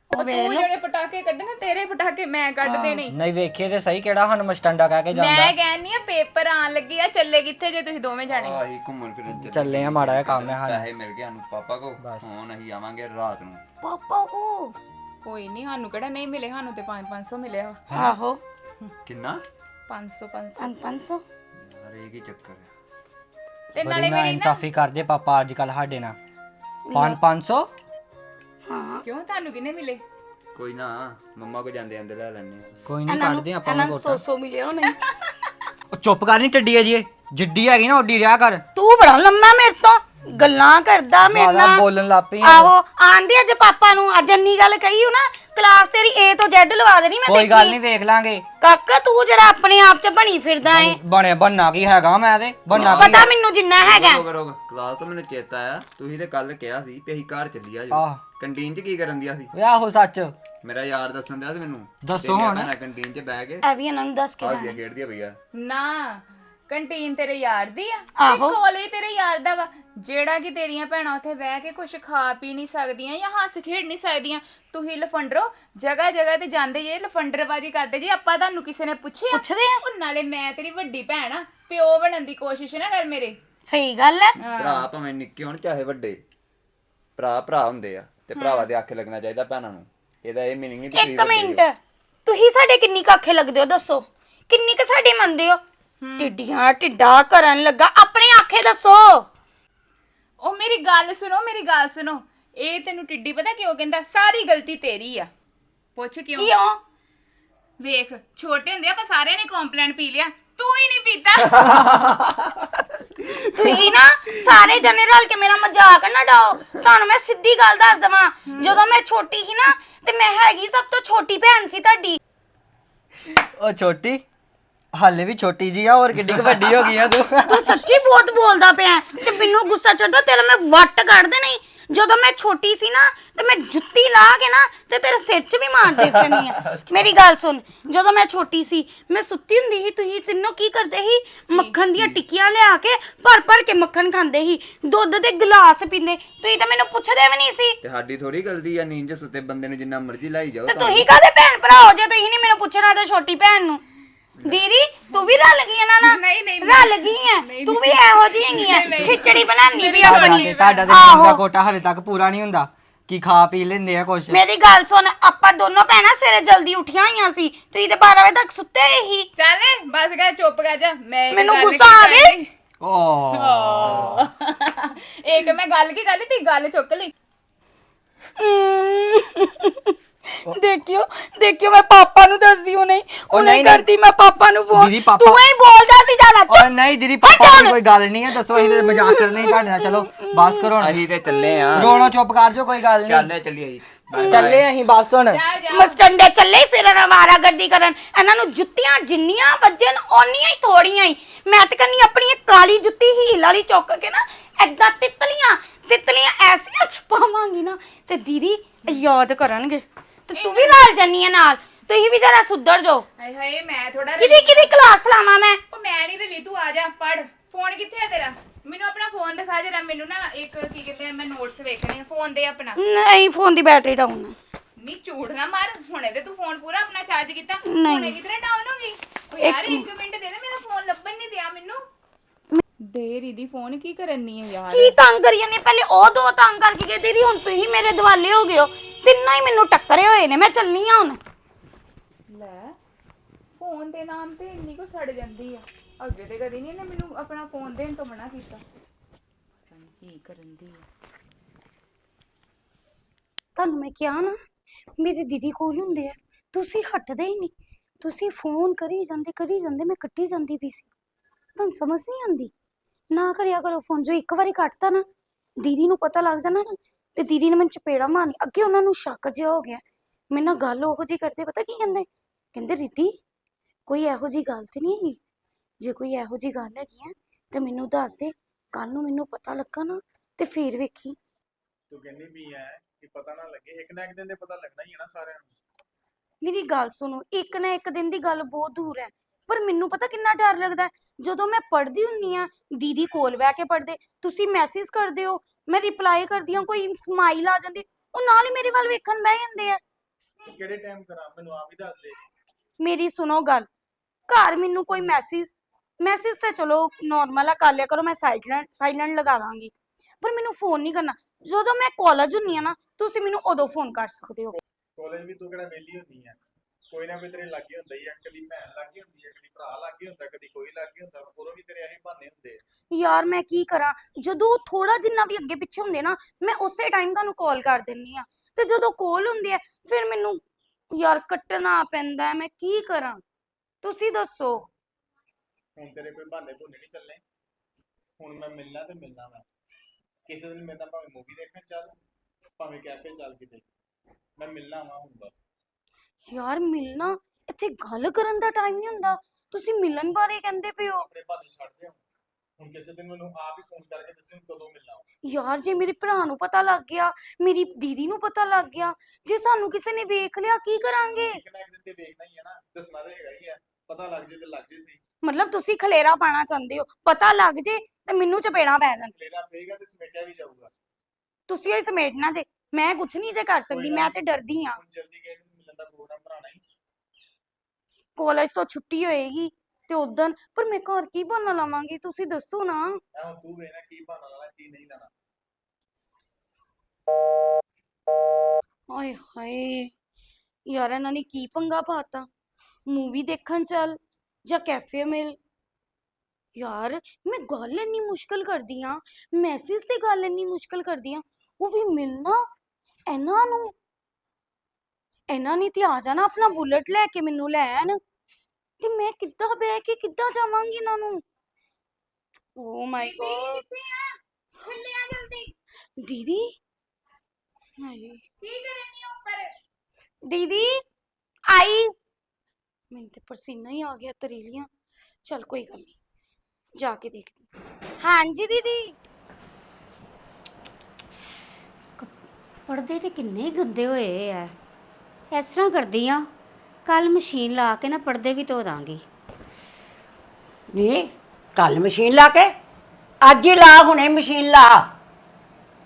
Speaker 1: ਉਹ ਤੂੰ ਜਿਹੜੇ ਪਟਾਕੇ ਕੱਢਣੇ ਤੇਰੇ ਪਟਾਕੇ ਮੈਂ ਕੱਢ ਦੇਣੇ।
Speaker 7: ਨਹੀਂ ਵੇਖੇ ਤੇ ਸਹੀ ਕਿਹੜਾ ਸਾਨੂੰ ਮਸਟੰਡਾ ਕਹਿ ਕੇ ਜਾਂਦਾ।
Speaker 1: ਮੈਂ ਕਹਿੰਨੀ ਆ ਪੇਪਰ ਆਣ ਲੱਗੀ ਆ, ਚੱਲੇ ਕਿੱਥੇ ਜੇ ਤੁਸੀਂ ਦੋਵੇਂ ਜਾਣੇ?
Speaker 6: ਆਹੀ ਘੁੰਮਣ ਫਿਰਨ
Speaker 7: ਚੱਲੇ ਆ, ਮਾੜਾ ਜਿਹਾ ਕੰਮ ਹੈ
Speaker 6: ਪੈਸੇ ਮਿਲ ਗਏ ਸਾਨੂੰ ਪਾਪਾ ਕੋ, ਹੁਣ ਅਸੀਂ ਆਵਾਂਗੇ ਰਾਤ ਨੂੰ।
Speaker 9: ਪਾਪਾ ਕੋ
Speaker 1: ਕੋਈ ਨਹੀਂ, ਸਾਨੂੰ ਕਿਹੜਾ ਨਹੀਂ ਮਿਲੇ, ਸਾਨੂੰ ਤੇ 500 ਮਿਲਿਆ ਵਾ।
Speaker 9: ਆਹੋ
Speaker 6: ਕਿੰਨਾ?
Speaker 1: 500
Speaker 9: 500
Speaker 6: ਯਾਰ ਇਹ ਕੀ ਚੱਕਰ ਹੈ?
Speaker 1: ਤੇ
Speaker 7: ਬੜੀ
Speaker 1: ਨਾਲੇ
Speaker 7: ਨਾ
Speaker 1: ਮੇਰੀ ਨਾ
Speaker 7: ਇਨਸਾਫੀ ਕਰਦੇ ਪਾਪਾ ਅੱਜ ਕੱਲ ਸਾਡੇ ਨਾਲ। 500
Speaker 1: ਕਿਉਂ ਤੁਹਾਨੂੰ ਕਿੰਨੇ ਮਿਲੇ?
Speaker 6: ਕੋਈ ਨਾ, ਮੰਮਾ ਕੋ ਜਾਂਦੇ ਜਾਂਦੇ ਲੈ ਲੈਣੇ ਆ।
Speaker 7: ਕੋਈ ਨਹੀਂ ਕੱਢਦੇ ਆਪਾਂ ਨੂੰ ਕੋਟਾ।
Speaker 9: 100 ਮਿਲਿਆ ਨਹੀਂ।
Speaker 7: ਉਹ ਚੁੱਪ ਕਰ, ਨਹੀਂ ਟੱਡੀ ਹੈ ਜੀ, ਜਿੱਡੀ ਹੈਗੀ ਨਾ ਓਡੀ ਰਿਹਾ ਕਰ।
Speaker 9: ਤੂੰ ਬੜਾ ਲੰਮਾ ਮੇਰੇ ਤੋਂ ਗੱਲਾਂ ਕਰਦਾ ਮੇਰੇ
Speaker 7: ਜ਼ਿਆਦਾ
Speaker 9: ਨਾਲ।
Speaker 7: ਬੋਲਣ ਲੱਗ ਪਈ।
Speaker 9: ਆਹੋ ਆਂਦੀ ਅੱਜ ਪਾਪਾ ਨੂੰ ਅੱਜ ਇੰਨੀ ਗੱਲ ਕਹੀ ਹੋ ਨਾ, ਕਲਾਸ ਤੇਰੀ A ਤੋਂ Z ਲਵਾ ਦੇਣੀ ਮੈਂ।
Speaker 7: ਕੋਈ ਗੱਲ ਨਹੀਂ, ਵੇਖ ਲਾਂਗੇ।
Speaker 9: ਕਾਕਾ ਤੂੰ ਜਿਹੜਾ ਆਪਣੇ ਆਪ ਚ ਬਣੀ ਫਿਰਦਾ ਏ,
Speaker 7: ਬਣਨਾ ਕੀ ਹੈਗਾ ਮੈਂ ਤੇ ਬਣਨਾ ਕੀ।
Speaker 9: ਪਤਾ ਮੈਨੂੰ ਜਿੰਨਾ ਹੈਗਾ।
Speaker 6: ਰੋਕ ਕਲਾਸ ਤੋਂ ਮੈਨੂੰ ਚੇਤਾ ਆਇਆ, ਤੁਸੀਂ ਤੇ ਕੱਲ ਕਿਹਾ ਸੀ ਕਿ ਅਸੀਂ ਘਰ ਚੱਲੀ ਆ ਜੋ।
Speaker 7: ਆਹ
Speaker 6: ਕੰਟੀਨ 'ਚ ਕੀ ਕਰਨ ਦਿਆ ਸੀ?
Speaker 7: ਓਏ ਆਹੋ ਸੱਚ,
Speaker 6: ਮੇਰਾ ਯਾਰ ਦੱਸਣ ਦਿਆ ਸੀ ਮੈਨੂੰ।
Speaker 7: ਦੱਸੋ ਹੁਣ।
Speaker 6: ਕੰਟੀਨ 'ਚ ਬਹਿ ਕੇ
Speaker 9: ਐ ਵੀ ਇਹਨਾਂ ਨੂੰ ਦੱਸ ਕੇ
Speaker 6: ਆਹ ਖੇਡਦੀਆਂ ਭਈਆ।
Speaker 1: ਨਾ ਕੰਟੀਨ ਤੇਰੇ ਯਾਰ ਦੀ ਆ,
Speaker 9: ਆਹੋ।
Speaker 1: ਕਾਲਜ ਤੇਰੇ ਯਾਰ ਦਾ ਵਾ, ਜਿਹੜਾ ਕਿ ਤੇਰੀਆਂ ਭੈਣਾਂ ਉੱਥੇ ਬਹਿ ਕੇ ਕੁਝ ਖਾ ਪੀ ਨਹੀਂ ਸਕਦੀਆਂ ਜਾਂ ਹੱਸ ਖੇਡ ਨਹੀਂ ਸਕਦੀਆਂ। ਤੁਸੀਂ ਲਫੰਡਰੋ ਜਗ੍ਹਾ ਜਗ੍ਹਾ ਤੇ ਜਾਂਦੇ ਜੇ, ਲਫੰਡਰਬਾਜੀ ਕਰਦੇ ਜੇ। ਆਪਾਂ ਤੁਹਾਨੂੰ ਕਿਸੇ ਨੇ ਪੁੱਛਿਆ?
Speaker 9: ਪੁੱਛਦੇ ਆ।
Speaker 1: ਉਹ ਨਾਲੇ ਮੈਂ ਤੇਰੀ ਵੱਡੀ ਭੈਣ ਆ, ਪਿਓ ਬਣਨ ਦੀ ਕੋਸ਼ਿਸ਼ ਨਾ ਕਰ ਮੇਰੇ।
Speaker 9: ਸਹੀ ਗੱਲ ਹੈ।
Speaker 6: ਭਰਾ ਭਾਵੇਂ ਨਿੱਕੇ ਹੋਣ ਚਾਹੇ ਵੱਡੇ, ਭਰਾ ਭਰਾ ਹੁੰਦੇ ਆ ਤੇ ਭਰਾਵਾਂ ਦੇ ਆਖੇ ਲੱਗਣਾ ਚਾਹੀਦਾ ਭੈਣਾਂ ਨੂੰ। ਇਹਦਾ ਇਹ ਮੀਨਿੰਗ ਨਹੀਂ
Speaker 9: ਇੱਕ ਮਿੰਟ, ਤੁਸੀਂ ਸਾਡੇ ਕਿੰਨੀ ਕਾਖੇ ਲੱਗਦੇ ਹੋ ਦੱਸੋ? ਕਿੰਨੀ ਕ ਸਾਡੀ ਮੰਨਦੇ ਹੋ? ਟਿੱਡੀਆਂ ਢਿੱਡਾ ਕਰਨ ਲੱਗਾ, ਆਪਣੇ ਆਖੇ ਦੱਸੋ।
Speaker 1: ਉਹ ਮੇਰੀ ਗੱਲ ਸੁਣੋ, ਮੇਰੀ ਗੱਲ ਸੁਣੋ। ਇਹ ਤੈਨੂੰ ਟਿੱਡੀ ਪਤਾ ਕਿਉਂ ਕਹਿੰਦਾ? ਸਾਰੀ ਗਲਤੀ ਤੇਰੀ ਆ। ਪੁੱਛ ਕਿਉਂ?
Speaker 9: ਕਿਉਂ?
Speaker 1: ਵੇਖ ਛੋਟੇ ਹੁੰਦੇ ਆਪਾਂ ਸਾਰਿਆਂ ਨੇ ਕੰਪਲੇਂਟ ਪੀ ਲਿਆ, ਤੂੰ ਹੀ ਨਹੀਂ ਪੀਤਾ।
Speaker 9: ਤੁਸੀਂ ਨਾ ਸਾਰੇ ਜਣੇ ਰਲ ਕੇ ਮੇਰਾ ਮਜ਼ਾਕ ਨਾ ਡਾਓ। ਤੁਹਾਨੂੰ ਮੈਂ ਸਿੱਧੀ ਗੱਲ ਦੱਸ ਦਵਾਂ, ਜਦੋਂ ਮੈਂ ਛੋਟੀ ਸੀ ਨਾ ਤੇ ਮੈਂ ਹੈਗੀ ਸਭ ਤੋਂ ਛੋਟੀ ਭੈਣ ਸੀ ਤੁਹਾਡੀ।
Speaker 7: ਉਹ ਛੋਟੀ ਹਾਲੇ ਵੀ ਛੋਟੀ ਜੀ ਆ, ਹੋਰ ਕਿੱਡੀ ਕੁ ਵੱਡੀ ਹੋ ਗਈ ਆ ਤੂੰ।
Speaker 9: ਤੂੰ ਸੱਚੀ ਬਹੁਤ ਬੋਲਦਾ ਪਿਆ ਤੇ ਮੈਨੂੰ ਗੁੱਸਾ ਚੜਦਾ, ਤੇਰੇ ਮੈਂ ਵੱਟ ਕੱਢ ਦੇਣੀ। ਜਦੋਂ ਮੈਂ ਛੋਟੀ ਸੀ ਨਾ ਤੇ ਮੈਂ ਜੁੱਤੀ ਲਾ ਕੇ ਨਾ ਤੇ ਤੇਰੇ ਸਿਰ 'ਚ ਵੀ ਮਾਰ ਦੇ ਸਕਦੀ ਆ। ਮੇਰੀ ਗੱਲ ਸੁਣ, ਜਦੋਂ ਮੈਂ ਛੋਟੀ ਸੀ ਮੈਂ ਸੁੱਤੀ ਹੁੰਦੀ ਸੀ, ਤੁਸੀਂ ਤਿੰਨੋਂ ਕੀ ਕਰਦੇ ਸੀ? ਮੱਖਣ ਦੀਆਂ ਟਿੱਕੀਆਂ ਲਿਆ ਕੇ ਭਰ ਭਰ ਕੇ ਮੱਖਣ ਖਾਂਦੇ ਸੀ, ਦੁੱਧ ਦੇ ਗਲਾਸ ਪੀਂਦੇ। ਤੁਸੀਂ ਤਾਂ ਮੈਨੂੰ ਪੁੱਛਦੇ ਵੀ ਨਹੀਂ ਸੀ।
Speaker 6: ਤੇ ਸਾਡੀ ਥੋੜੀ ਗਲਤੀ ਆ, ਨੀਂਦ 'ਚ ਸੁੱਤੇ ਬੰਦੇ ਨੂੰ ਜਿੰਨਾ ਮਰਜ਼ੀ ਲਾਈ ਜਾਓ।
Speaker 9: ਤੇ ਤੁਸੀਂ ਕਾਹਦੇ ਭੈਣ ਭਰਾ ਹੋ ਜੇ ਤੁਸੀਂ ਨਹੀਂ ਮੈਨੂੰ ਪੁੱਛਣਾ ਤੇ ਛੋਟੀ ਭੈਣ ਨੂੰ? ਦੀਦੀ ਤੂੰ ਵੀ ਰਲ ਗਈ ਇਹਨਾਂ ਨਾਲ?
Speaker 1: ਨਹੀਂ,
Speaker 9: ਰਲ ਗਈ ਐ ਤੂੰ ਵੀ ਇਹੋ ਜਿਹੀ ਹੈਗੀ ਐ, ਖਿਚੜੀ ਬਣਾਉਣੀ ਵੀ ਆਪਣੀ।
Speaker 7: ਤੁਹਾਡਾ ਤੇ ਨੀਂਦ ਦਾ ਕੋਟਾ ਹਲੇ ਤੱਕ ਪੂਰਾ ਨਹੀਂ ਹੁੰਦਾ ਕਿ ਖਾ ਪੀ ਲੈਂਦੇ ਆ ਕੁਛ।
Speaker 9: ਮੇਰੀ ਗੱਲ ਸੁਣ, ਆਪਾਂ ਦੋਨੋਂ ਭੈਣਾਂ ਸਵੇਰੇ ਜਲਦੀ ਉੱਠੀਆਂ ਹੋਈਆਂ ਸੀ, ਤੁਸੀਂ ਤੇ 12 ਵਜੇ ਤੱਕ ਸੁੱਤੇ ਹੋਏ ਸੀ।
Speaker 1: ਚੱਲ ਬਸ ਕਰ, ਚੁੱਪ ਕਰ ਜਾ। ਮੈਂ ਇੱਕ
Speaker 9: ਮੈਨੂੰ
Speaker 1: ਗੱਲ
Speaker 9: ਗੁੱਸਾ ਆ
Speaker 1: ਕੀ
Speaker 9: ਗਿਆ।
Speaker 1: ਕਰਨੀ।
Speaker 7: ਓ
Speaker 1: ਇੱਕ ਮੈਂ ਗੱਲ ਕੀ ਕਰ ਲਈ, ਤੀ ਗੱਲ ਚੁੱਕ ਲਈ।
Speaker 9: ਦੇਖਿਓ ਦੇਖਿਓ, ਮੈਂ ਪਾਪਾ ਨੂੰ ਦੱਸਦੀ ਹੂੰ। ਨਹੀਂ ਉਹ ਨਹੀਂ
Speaker 7: ਨਹੀਂ,
Speaker 9: ਕਰਦੀ ਮੈਂ ਪਾਪਾ ਨੂੰ ਫੋਨ।
Speaker 7: ਦੀਦੀ, ਪਾਪਾ-
Speaker 9: ਤੂੰ ਹੀ ਬੋਲਦਾ ਸੀ ਜ਼ਿਆਦਾ।
Speaker 7: ਓਏ
Speaker 9: ਚੁੱਪ।
Speaker 7: ਨਹੀਂ ਦੀਦੀ, ਪਾਪਾ ਦੀ ਕੋਈ ਗੱਲ ਨਹੀਂ ਹੈ, ਦੱਸੋ। ਅਸੀਂ ਤੇ ਮਜ਼ਾਕ ਕਰਨੇ ਸੀ ਤੁਹਾਡੇ ਨਾਲ। ਚਲੋ ਬਸ ਕਰੋ ਹੁਣ।
Speaker 6: ਅਸੀਂ ਤੇ ਚੱਲੇ ਆ।
Speaker 7: ਰੋਣੋ ਚੁੱਪ ਕਰ ਜੋ, ਕੋਈ ਗੱਲ ਨਹੀਂ।
Speaker 6: ਚੱਲੇ ਚੱਲੀਏ ਜੀ।
Speaker 7: ਚੱਲੇ ਅਸੀਂ ਬਸ ਹੁਣ।
Speaker 1: ਜਾ ਜਾ।
Speaker 9: ਮਸਟੰਡੇ ਚੱਲੇ ਹੀ ਫਿਰਨ ਆਵਾਰਾ ਗੱਡੀ ਕਰਨ। ਇਹਨਾਂ ਨੂੰ ਜੁੱਤੀਆਂ ਜਿੰਨੀਆਂ ਵੱਜਣ ਓਨੀਆਂ ਹੀ ਥੋੜੀਆਂ ਹੀ। ਮੈਂ ਤੇ ਕੰਨੀ ਆਪਣੀ ਇਹ ਕਾਲੀ ਜੁੱਤੀ ਹੀਲ ਵਾਲੀ ਚੁੱਕ ਕੇ ਨਾ ਏਦਾਂ ਤਿੱਤਲੀਆਂ ਐਸੀਆਂ ਛਪਾਵਾਂਗੀ ਨਾ ਤੇ ਦੀਦੀ ਯਾਦ ਕਰਨਗੇ। ਤੇ ਤੂੰ ਵੀ ਨਾਲ ਜੰਨੀ ਆ ਨਾਲ, ਤੁਸੀਂ ਵੀ ਜਰਾ ਸੁਧਰ ਜਾਓ।
Speaker 1: ਹਾਏ ਹਾਏ, ਮੈਂ ਥੋੜਾ
Speaker 9: ਕਿਹਦੀ ਕਲਾਸ ਲਾਵਾਂ ਮੈਂ?
Speaker 1: ਉਹ ਮੈਂ ਨਹੀਂ ਰਲੀ, ਤੂੰ ਆ ਜਾ ਪੜ। ਫੋਨ ਕਿੱਥੇ ਆ ਤੇਰਾ? ਮੈਨੂੰ ਆਪਣਾ ਫੋਨ ਦਿਖਾ ਜਰਾ। ਮੈਨੂੰ ਨਾ ਇੱਕ ਕੀ ਕਹਿੰਦੇ ਆ, ਮੈਂ ਨੋਟਸ ਵੇਖਣੇ ਆ। ਫੋਨ ਦੇ ਆਪਣਾ।
Speaker 9: ਨਹੀਂ ਫੋਨ ਦੀ ਬੈਟਰੀ ਡਾਊਨ ਹੈ।
Speaker 1: ਨਹੀਂ ਝੂਠ ਨਾ ਮਾਰ, ਹੁਣੇ ਤੇ ਤੂੰ ਫੋਨ ਪੂਰਾ ਆਪਣਾ ਚਾਰਜ ਕੀਤਾ,
Speaker 9: ਨਹੀਂ।
Speaker 1: ਹੁਣੇ ਕਿਧਰੇ ਡਾਊਨ ਹੋ ਗਈ? ਓ ਯਾਰ 1 ਮਿੰਟ ਦੇ ਦੇ, ਮੇਰਾ ਫੋਨ ਲੱਭਣ ਨਹੀਂ ਦਿਆ ਮੈਨੂੰ। ਦੇ ਰੀਦੀ ਫੋਨ ਕੀ ਕਰਨੀ ਹੈ ਯਾਰ?
Speaker 9: ਕੀ ਤੰਗ ਕਰੀ ਜਾਂਦੇ? ਪਹਿਲੇ ਉਹ ਦੋ ਤੰਗ ਕਰਕੇ ਗਏ ਦੀਦੀ, ਹੁਣ ਤੁਸੀਂ ਮੇਰੇ ਦਿਵਾਲੇ ਹੋ ਗਏ ਹੋ। ਤਿੰਨਾਂ ਹੀ ਮੈਨੂੰ ਟੱਕਰੇ ਹੋਏ ਨੇ। ਮੈਂ ਚੱਲਨੀ ਆ ਹੁਣ।
Speaker 1: ਲੈ ਫੋਨ ਦੇ ਨਾਮ ਤੇ ਇੰਨੀ ਕੋ ਸੜ ਜਾਂਦੀ ਆ। ਅੱਗੇ ਤੇ ਕਦੀ ਨਹੀਂ ਇਹਨੇ ਮੈਨੂੰ ਆਪਣਾ ਫੋਨ ਦੇਣ ਤੋਂ ਮਨਾ ਕੀਤਾ। ਪਤਾ ਨੀ ਕੀ ਕਰਨ ਦੀ ਆ।
Speaker 9: ਤੁਹਾਨੂੰ ਮੈਂ ਕਿਹਾ ਨਾ ਮੇਰੇ ਦੀਦੀ ਕੋਲ ਹੁੰਦੇ ਆ, ਤੁਸੀਂ ਹਟਦੇ ਹੀ ਨਹੀਂ। ਤੁਸੀਂ ਫੋਨ ਕਰੀ ਜਾਂਦੇ ਮੈਂ ਕੱਟੀ ਜਾਂਦੀ ਪਈ ਸੀ। ਤੁਹਾਨੂੰ ਸਮਝ ਨਹੀਂ ਆਉਂਦੀ? ਨਾ ਕਰਿਆ ਕਰੋ ਫੋਨ। ਜੋ ਇੱਕ ਵਾਰੀ ਕੱਟਤਾ ਨਾ, ਦੀਦੀ ਨੂੰ ਪਤਾ ਲੱਗ ਜਾਣਾ ਨਾ ਤੇ ਦੀਦੀ ਨੇ ਮੈਨੂੰ ਚਪੇੜਾ ਮਾਰਨੀ। ਅੱਗੇ ਉਹਨਾਂ ਨੂੰ ਸ਼ੱਕ ਜਿਹਾ ਹੋ ਗਿਆ। ਮੇਰੇ ਨਾਲ ਗੱਲ ਉਹੋ ਜਿਹੀ ਕਰਦੇ, ਪਤਾ ਕੀ ਕਹਿੰਦੇ ਰਿੱਧੀ ਕੋਈ ਇਹੋ ਜਿਹੀ ਗੱਲ ਤੇ ਨਹੀਂ ਹੈਗੀ। ਜੇ ਕੋਈ ਇਹੋ ਜਿਹੀ ਗੱਲ ਹੈਗੀ ਆ ਤੇ ਮੈਨੂੰ ਦੱਸ ਦੇ, ਕੱਲ ਨੂੰ ਮੈਨੂੰ ਪਤਾ ਲੱਗਾ ਨਾ ਤੇ ਫੇਰ ਵੇਖੀ।
Speaker 5: ਤੂੰ ਕਹਿੰਦੀ ਵੀ ਐ ਕਿ ਪਤਾ ਨਾ ਲੱਗੇ, ਇੱਕ ਨਾ ਇੱਕ ਦਿਨ ਤੇ ਪਤਾ ਲੱਗਣਾ ਹੀ ਹੈ ਨਾ ਸਾਰਿਆਂ ਨੂੰ।
Speaker 9: ਮੇਰੀ ਗੱਲ ਸੁਣੋ, ਇੱਕ ਨਾ ਇੱਕ ਦਿਨ ਦੀ ਗੱਲ ਬਹੁਤ ਦੂਰ ਹੈ, ਪਰ ਮੈਨੂੰ ਪਤਾ ਕਿੰਨਾ ਡਰ ਲੱਗਦਾ ਜਦੋਂ ਮੈਂ ਪੜ੍ਹਦੀ ਹੁੰਨੀ ਆ। ਦੀਦੀ ਕੋਲ ਬਹਿ ਕੇ ਪੜ੍ਹਦੇ, ਤੁਸੀਂ ਮੈਸੇਜ ਕਰਦੇ ਹੋ, ਮੈਂ ਰਿਪਲਾਈ ਕਰਦੀ ਹਾਂ, ਕੋਈ ਸਮਾਈਲ ਆ ਜਾਂਦੀ, ਉਹ ਨਾਲ ਹੀ ਮੇਰੇ ਵੱਲ ਵੇਖਣ ਬਹਿ ਜਾਂਦੇ ਆ।
Speaker 5: ਕਿਹੜੇ ਟਾਈਮ ਕਰਾਂ ਮੈਨੂੰ ਆਪ ਹੀ ਦੱਸ ਦੇ।
Speaker 9: ਮੇਰੀ ਸੁਣੋ ਗੱਲ, ਘਰ ਮੈਨੂੰ ਕੋਈ ਮੈਸੇਜ ਤੇ ਚਲੋ ਨਾਰਮਲ ਆ, ਕਰ ਲਿਆ ਕਰੋ, ਮੈਂ ਸਾਈਲੈਂਟ ਲਗਾ ਦਾਂਗੀ, ਪਰ ਮੈਨੂੰ ਫੋਨ ਨਹੀਂ ਕਰਨਾ। ਜਦੋਂ ਮੈਂ ਕਾਲਜ ਹੁੰਨੀ ਆ ਨਾ, ਤੁਸੀਂ ਮੈਨੂੰ ਉਦੋਂ ਫੋਨ ਕਰ ਸਕਦੇ ਹੋ।
Speaker 5: ਕਾਲਜ ਵੀ ਤੂੰ ਕਿਹੜਾ ਵਿਹਲੀ ਹੁੰਦੀ ਆ, ਕੋਈ ਨਾ ਕੋਈ ਤੇਰੇ ਲਾਗੇ ਹੁੰਦਾ ਹੀ ਆ, ਕਦੀ ਭੈਣ ਲਾਗੇ ਹੁੰਦੀ ਆ, ਕਦੀ ਭਰਾ ਲਾਗੇ ਹੁੰਦਾ, ਕਦੀ ਕੋਈ ਲਾਗੇ ਹੁੰਦਾ, ਉਦੋਂ ਵੀ ਤੇਰੇ ਆਹੀ ਬਹਾਨੇ ਹੁੰਦੇ ਆ।
Speaker 9: ਯਾਰ ਮੈਂ ਕੀ ਕਰਾਂ, ਜਦੋਂ ਥੋੜਾ ਜਿੰਨਾ ਵੀ ਅੱਗੇ ਪਿੱਛੇ ਹੁੰਦੇ ਨਾ, ਮੈਂ ਉਸੇ ਟਾਈਮ ਤੁਹਾਨੂੰ ਕਾਲ ਕਰ ਦਿੰਨੀ ਆ, ਤੇ ਜਦੋਂ ਕਾਲ ਹੁੰਦੀ ਹੈ ਫਿਰ ਮੈਨੂੰ ਯਾਰ ਕੱਟਣਾ ਪੈਂਦਾ ਹੈ। ਮੈਂ ਕੀ ਕਰਾਂ, ਤੁਸੀਂ ਦੱਸੋ।
Speaker 5: ਹੁਣ ਤੇਰੇ ਕੋਈ ਬਹਾਨੇ ਭੁੰਨੇ ਨਹੀਂ ਚੱਲਣੇ, ਹੁਣ ਮੈਂ ਮਿਲਣਾ ਤੇ ਮਿਲਣਾ। ਮੈਂ ਕਿਸੇ ਦਿਨ ਮੇਰੇ ਨਾਲ ਭਾਵੇਂ ਮੂਵੀ ਦੇਖਣ ਚੱਲ, ਭਾਵੇਂ ਕੈਫੇ ਚੱਲ, ਕਿਤੇ ਮੈਂ ਮਿਲਣਾ ਵਾ ਹੁਣ ਬਸ।
Speaker 9: ਯਾਰ ਮਿਲਣਾ, ਇੱਥੇ ਗੱਲ ਕਰਨ ਦਾ ਟਾਈਮ ਨਹੀਂ ਹੁੰਦਾ, ਤੁਸੀਂ ਮਿਲਣ ਬਾਰੇ ਕਹਿੰਦੇ ਪਏ ਹੋ।
Speaker 5: ਆਪਣੇ ਬਹਾਨੇ ਛੱਡ ਦੇ ਹੁਣ ਕਿਸੇ ਦਿਨ ਮੈਨੂੰ ਆਪ ਹੀ ਫੋਨ ਕਰਕੇ ਦੱਸੀ ਕਦੋਂ ਮਿਲਣਾ।
Speaker 9: ਯਾਰ ਜੇ ਮੇਰੇ ਭਰਾ ਨੂੰ ਪਤਾ ਲੱਗ ਗਿਆ, ਮੇਰੀ ਦੀਦੀ ਨੂੰ ਪਤਾ ਲੱਗ ਗਿਆ, ਜੇ ਸਾਨੂੰ ਕਿਸੇ ਨੇ ਵੇਖ ਲਿਆ ਕੀ ਕਰਾਂਗੇ?
Speaker 5: ਇੱਕ ਨਾ ਇੱਕ ਦਿਨ ਤੇ ਵੇਖਣਾ ਹੀ ਹੈ ਨਾ, ਦੱਸਣਾ ਤੇ ਹੈਗਾ ਹੀ ਆ, ਪਤਾ ਲੱਗ ਜੇ ਤੇ ਲੱਗ ਜੇ ਸਹੀ।
Speaker 9: ਮਤਲਬ ਤੁਸੀਂ ਖਲੇਰਾ ਪਾਣਾ ਚਾਹੁੰਦੇ ਹੋ, ਪਤਾ ਲੱਗ ਜੇ ਤੇ ਮੈਨੂੰ ਚਪੇੜਾ ਪੈ ਜਾਣ।
Speaker 5: ਖਲੇਰਾ ਪਏਗਾ ਤੇ ਸਮੇਟਿਆ ਵੀ ਜਾਊਗਾ।
Speaker 9: ਤੁਸੀਂ ਹੀ ਸਮੇਟਣਾ ਜੇ, ਮੈਂ ਕੁਝ ਨਹੀਂ ਜੇ ਕਰ ਸਕਦੀ, ਮੈਂ ਤੇ ਡਰਦੀ ਆ।
Speaker 5: ਹੁਣ ਜਲਦੀ ਕਿਸੇ ਨੂੰ ਮਿਲਣ ਦਾ ਪ੍ਰੋਗਰਾਮ ਬਣਾਉਣਾ ਹੀ।
Speaker 9: ਕਾਲਜ ਤੋਂ ਛੁੱਟੀ ਹੋਏਗੀ ਤੇ ਉਦੋਂ, ਪਰ ਮੈਂ ਘਰ ਕੀ ਬਹਾਨਾ ਲਾਵਾਂਗੀ, ਤੁਸੀਂ ਦੱਸੋ ਨਾ।
Speaker 5: ਹੁਣ ਤੂੰ ਵੇਖਣਾ ਕੀ ਬਹਾਨਾ ਲਾਣਾ ਕੀ ਨਹੀਂ ਲਾਣਾ।
Speaker 9: ਹਾਏ ਹਾਏ, ਯਾਰ ਇਹਨਾਂ ਨੇ ਕੀ ਪੰਗਾ ਪਾਤਾ, ਮੂਵੀ ਦੇਖਣ ਚੱਲ ਜਾਂ ਕੈਫੇ ਮਿਲ। ਯਾਰ ਮੈਂ ਗੱਲ ਇੰਨੀ ਮੁਸ਼ਕਲ ਕਰਦੀ ਆ, ਮੈਸੇਜ ਤੇ ਗੱਲ ਇੰਨੀ ਮੁਸ਼ਕਲ ਕਰਦੀ ਆ, ਉਹ ਵੀ ਮਿਲਣਾ। ਇਹਨਾਂ ਨੇ ਤੇ ਆ ਜਾਣਾ ਆਪਣਾ ਬੁਲਟ ਲੈ ਕੇ ਮੈਨੂੰ ਲੈਣ, ਤੇ ਮੈਂ ਕਿੱਦਾਂ ਬਹਿ ਕੇ ਕਿੱਦਾਂ ਜਾਵਾਂਗੀ ਇਹਨਾਂ ਨੂੰ। ਓ ਮਾਈ ਗॉड,
Speaker 1: ਥੱਲੇ ਆ ਜਲਦੀ।
Speaker 9: ਦੀਦੀ ਹਾਏ
Speaker 1: ਕੀ ਕਰਨੀ ਉੱਪਰ?
Speaker 9: ਦੀਦੀ ਆਈ, ਮੈਨੂੰ ਤੇ ਪਸੀਨਾ ਹੀ ਆ ਗਿਆ ਤਰੀਲੀਆਂ। ਚਲ ਕੋਈ ਗੱਲ ਨਹੀਂ, ਜਾ ਕੇ ਦੇਖਦੀ। ਹਾਂਜੀ ਦੀਦੀ।
Speaker 10: ਪਰਦੇ ਤੇ ਕਿੰਨੇ ਗੰਦੇ ਹੋਏ ਐ। ਇਸ ਤਰ੍ਹਾਂ ਕਰਦੀ ਆ, ਕੱਲ ਮਸ਼ੀਨ ਲਾ ਕੇ ਨਾ ਪਰਦੇ ਵੀ ਧੋ ਦਾਂਗੀ।
Speaker 8: ਨਹੀਂ ਕੱਲ ਮਸ਼ੀਨ ਲਾ ਕੇ, ਅੱਜ ਹੀ ਲਾ, ਹੁਣੇ ਮਸ਼ੀਨ ਲਾ।